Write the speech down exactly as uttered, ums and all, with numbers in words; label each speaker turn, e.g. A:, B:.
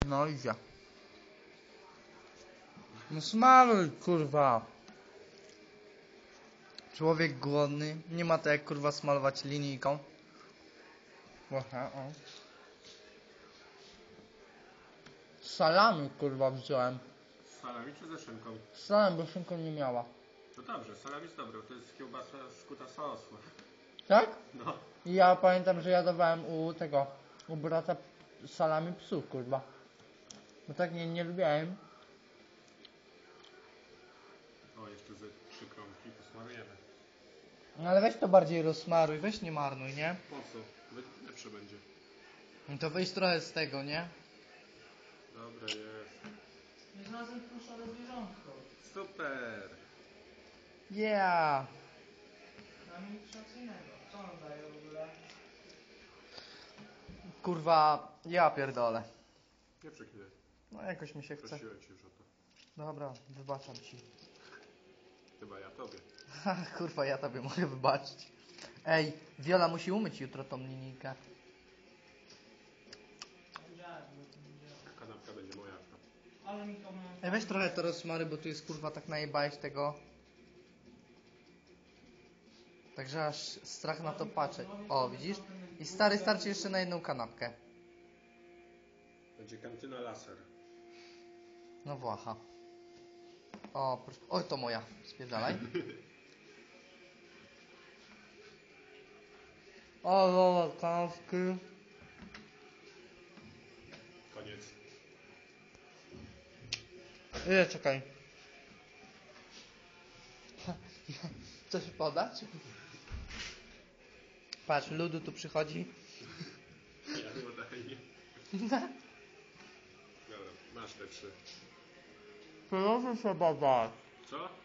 A: No idzie. No smaruj, kurwa. Człowiek głodny. Nie ma to jak, kurwa, smalować linijką. Aha, o. Salami, kurwa, wziąłem.
B: Z salami czy ze szynką?
A: Salami, bo szynką nie miała.
B: No dobrze, salami jest dobre, to jest kiełbasa skuta sosu.
A: Tak?
B: No.
A: I ja pamiętam, że ja dawałem u tego, u brata salami psów, kurwa. Bo tak nie, nie lubiałem.
B: O, jeszcze ze trzy kromki posmarujemy.
A: No ale weź to bardziej rozsmaruj, weź nie marnuj, nie?
B: Po co? Wy- Lepsze będzie.
A: No to weź trochę z tego, nie?
B: Dobre jest.
A: Nie znalazłem pluszone zwierzątko.
B: Super!
A: Yeah! Na nic innego. Co on daje w ogóle? Kurwa, ja pierdolę.
B: Nie przeklinaj.
A: No jakoś mi się chce.
B: Prosiłem ci już o to.
A: Dobra, wybaczam ci.
B: Chyba ja tobie.
A: Ha, kurwa, ja tobie mogę wybaczyć. Ej, Wiola musi umyć jutro tą linijkę.
B: Kanapka będzie moja.
A: Ej, weź trochę to rozmary, bo tu jest, kurwa, tak najebałeś tego. Także aż strach na to patrzeć. O, widzisz? I stary starczy jeszcze na jedną kanapkę.
B: Będzie kantyna laser.
A: No Włacha. O, proszę. Oj, to moja. Spierdalaj. O, o, kanapki.
B: Koniec.
A: Ile, czekaj. Coś podać? Patrz, ludu tu przychodzi.
B: Ja chyba dalej nie. Dobra, masz te trzy.
A: Proszę się badać.
B: Co?